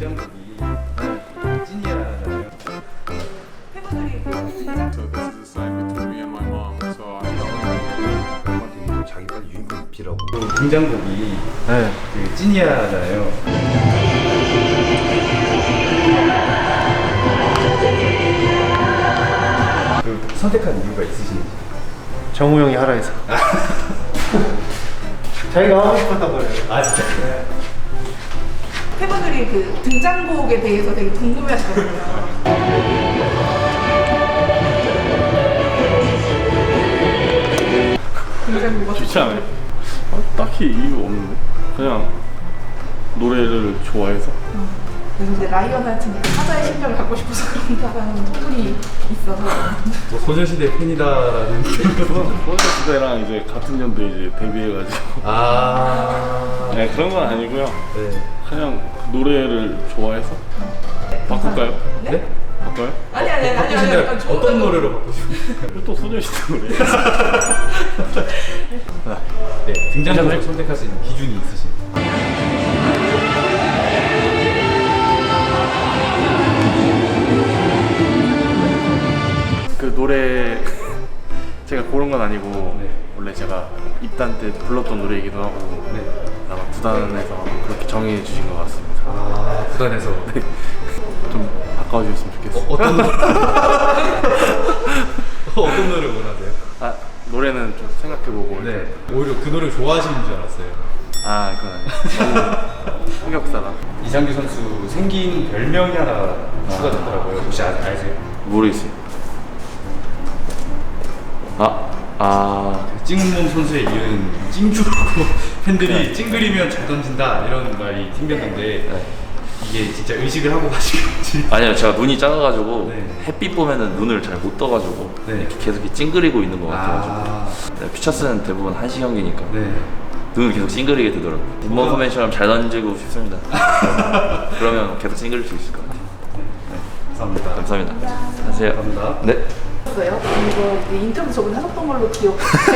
등장곡이 찐이야잖아요. 팬분들이 So this is a sign between me and my mom. So I'm 엄마한테 자기 빨리 유니폼 입히라고. 등장곡이 그 찐이야잖아요. 그 선택한 이유가 있으신지? 정우 형이 하라 해서. 자기가 하고 싶었던 거예요. 아 진짜? 네. 팬분들이 그 등장곡에 대해서 되게 궁금해하시거든요. 등장곡 좋지 않아요? 딱히 이유 없는데 그냥 노래를 좋아해서. 그래서 이제 라이언 하트니까 사자의 심장을 갖고 싶어서 그런다라는 소문이 있어서 뭐 소녀시대 팬이다라는 소녀시대랑 이제 같은 연도에 이제 데뷔해가지고 네, 그런 건 아니고요. 네. 그냥 노래를 좋아해서. 바꿀까요? 네? 바꿔요? 아니 바꾸신다면 어떤 노래로 바꾸시고? 또 소녀시대 노래. 네, 등장곡을 선택할 수 있는 기준이 있으신가요? 그 노래 제가 고른 건 아니고 네. 원래 제가 입단 때 불렀던 노래이기도 하고 네. 아마 구단에서 그렇게 정해 주신 것 같습니다. 아, 구단에서 좀 바꿔주셨으면 좋겠어요. 어떤 어떤 노래 원하세요? 아, 노래는 좀 생각해보고. 네, 오히려 그 노래 좋아하시는 줄 알았어요. 아, 그건 아니에요. 너무 흑역사다. 이상규 선수 생긴 별명이 하나 추가됐더라고요. 혹시 아세요? 모르겠어요. 찡몸 선수에 이은 찡주라고 팬들이 찡그리면 잘 던진다 이런 말이 생겼는데 이게 진짜 의식을 하고 가신 건지. 아니요, 제가 눈이 작아가지고 네. 햇빛 보면은 눈을 잘 못 떠가지고 네. 이렇게 계속 이렇게 찡그리고 있는 것 같아가지고 아, 네, 퓨처스는 대부분 한시 경기니까 네. 눈을 계속 찡그리게 되더라고요. 굿먼 포메이션처럼 잘 던지고 싶습니다. 그러면 계속 찡그릴 수 있을 것 같아요. 감사합니다. 감사합니다. 안녕하세요. 감사합니다. 네. 있어요. 이거 이제 인터뷰 저번에 하셨던 걸로 기억해주시고요.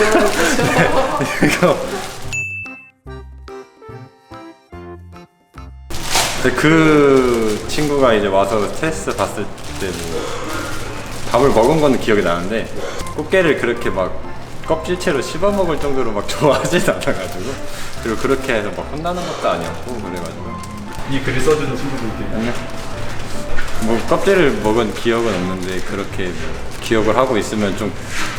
그 친구가 이제 와서 스트레스 받을 때 뭐 밥을 먹은 건 기억이 나는데 꽃게를 그렇게 막 껍질채로 씹어 먹을 정도로 막 좋아하진 않아가지고, 그리고 그렇게 해서 막 혼나는 것도 아니었고 그래가지고 이 글을 써주는 친구분께 뭐 껍질을 먹은 기억은 없는데 그렇게 기억을 하고 있으면 좀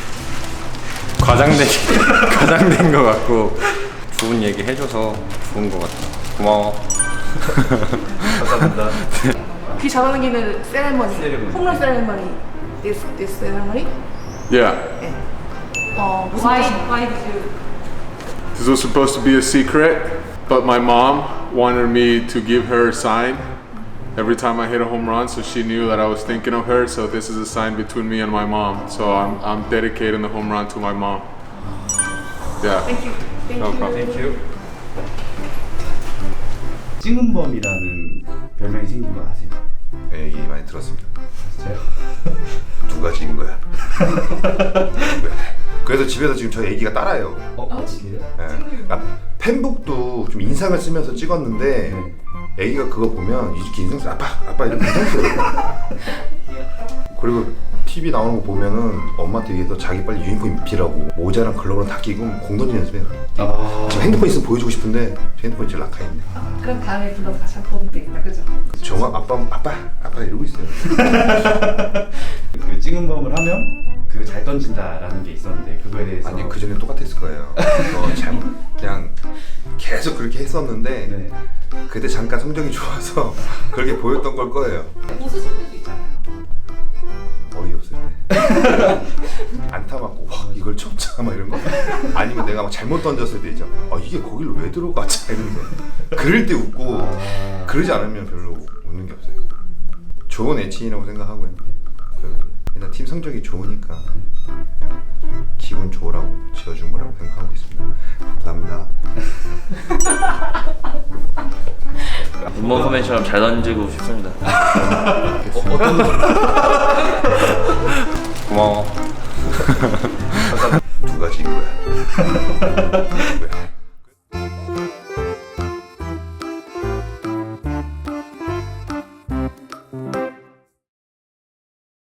과장된 것 같고, 좋은 얘기 해줘서 좋은 것 같아. 고마워. 감사합니다. 귀 잡아당기는 세레머니, 세레머니. 홈런 세레머니, this 세레머니. yeah. 무슨 Why did you? This was supposed to be a secret, but my mom wanted me to give her a sign every time I hit a home run, so she knew that I was thinking of her. So this is a sign between me and my mom. So I'm dedicating the home run to my mom. Yeah. Thank you. Thank No you. problem. 땡큐. 찡은범이라는 별명이 생긴 거 아세요? 네, 얘기 많이 들었습니다. 진짜요? 누가 지은 거야? 그래서 집에서 지금 저희 애기가 따라해요. 진짜요? 네. 아, 팬북도 좀 인상을 쓰면서 찍었는데 애기가 그거 보면 이렇게 인상 쓰 아빠 이렇게 인상 써요. 그리고 TV 나오는 거 보면은 엄마한테 얘기해서 자기 빨리 유니폼 입히라고 모자랑 글러브랑 다 끼고 공 던지는 연습해요. 지금 핸드폰 있으면 보여주고 싶은데 제 핸드폰이 제일 낙하있네. 그럼 다음에 불러서 같이 한번 보면 되겠다, 그죠? 정말 아빠 이러고 있어요. 그 찡은범을 하면 그거 잘 던진다라는 게 있었는데 그거에 대해서 아니 그 전에 똑같았을 거예요. 잘못 그냥 계속 그렇게 했었는데 네. 그때 잠깐 성적이 좋아서 그렇게 보였던 걸 거예요. 웃으실 때도 있잖아요. 어이없을 때 안타 맞고 와 이걸 쳤자 막 이런 거, 아니면 내가 막 잘못 던졌을 때 있죠. 아 이게 거기로 왜 들어가지 이러면서 그럴 때 웃고, 그러지 않으면 별로 웃는 게 없어요. 좋은 애칭이라고 생각하고요. 일단 팀 성적이 좋으니까 그냥 기분 좋으라고 지어준 거라고 생각하고 있습니다. 감사합니다. 굿먼 포메이션처럼 잘 던지고 싶습니다. 어떤 고마워. 누가 지은 거야?